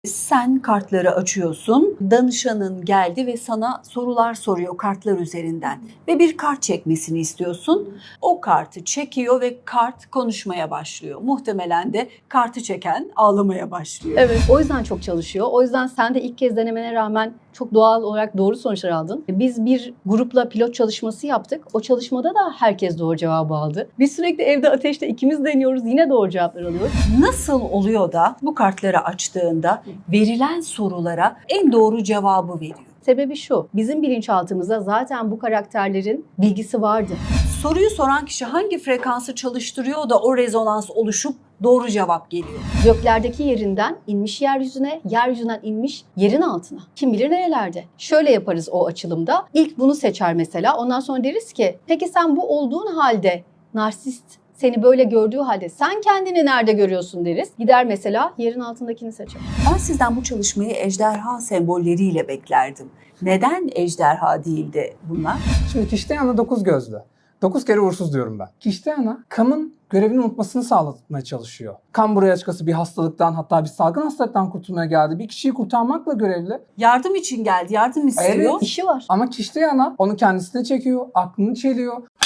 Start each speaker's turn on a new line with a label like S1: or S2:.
S1: Sen kartları açıyorsun, danışanın geldi ve sana sorular soruyor kartlar üzerinden ve bir kart çekmesini istiyorsun. O kartı çekiyor ve kart konuşmaya başlıyor. Muhtemelen de kartı çeken ağlamaya başlıyor.
S2: Evet, o yüzden çok çalışıyor. O yüzden sen de ilk kez denemene rağmen çok doğal olarak doğru sonuçlar aldın. Biz bir grupla pilot çalışması yaptık. O çalışmada da herkes doğru cevabı aldı. Biz sürekli evde ateşte ikimiz deniyoruz, yine doğru cevaplar alıyoruz.
S1: Nasıl oluyor da bu kartları açtığında verilen sorulara en doğru cevabı veriyor?
S2: Sebebi şu, bizim bilinçaltımızda zaten bu karakterlerin bilgisi vardı.
S1: Soruyu soran kişi hangi frekansı çalıştırıyor da o rezonans oluşup doğru cevap geliyor?
S2: Göklerdeki yerinden inmiş yeryüzüne, yeryüzünden inmiş yerin altına. Kim bilir nerelerde. Şöyle yaparız o açılımda. İlk bunu seçer mesela. Ondan sonra deriz ki, peki sen bu olduğun halde narsist seni böyle gördüğü halde sen kendini nerede görüyorsun deriz. Gider mesela yerin altındakini seçer.
S1: Ben sizden bu çalışmayı ejderha sembolleriyle beklerdim. Neden ejderha değil de bunlar?
S3: Şimdi Kişteyana 9 gözlü. 9 kere uğursuz diyorum ben. Kişteyana Kam'ın görevini unutmasını sağlatmaya çalışıyor. Kam buraya açıkçası bir hastalıktan, hatta bir salgın hastalıktan kurtulmaya geldi. Bir kişiyi kurtarmakla görevli.
S1: Yardım için geldi, yardım istiyor.
S3: Evet.
S2: İşi var.
S3: Ama Kişteyana onu kendisine çekiyor, aklını çeliyor.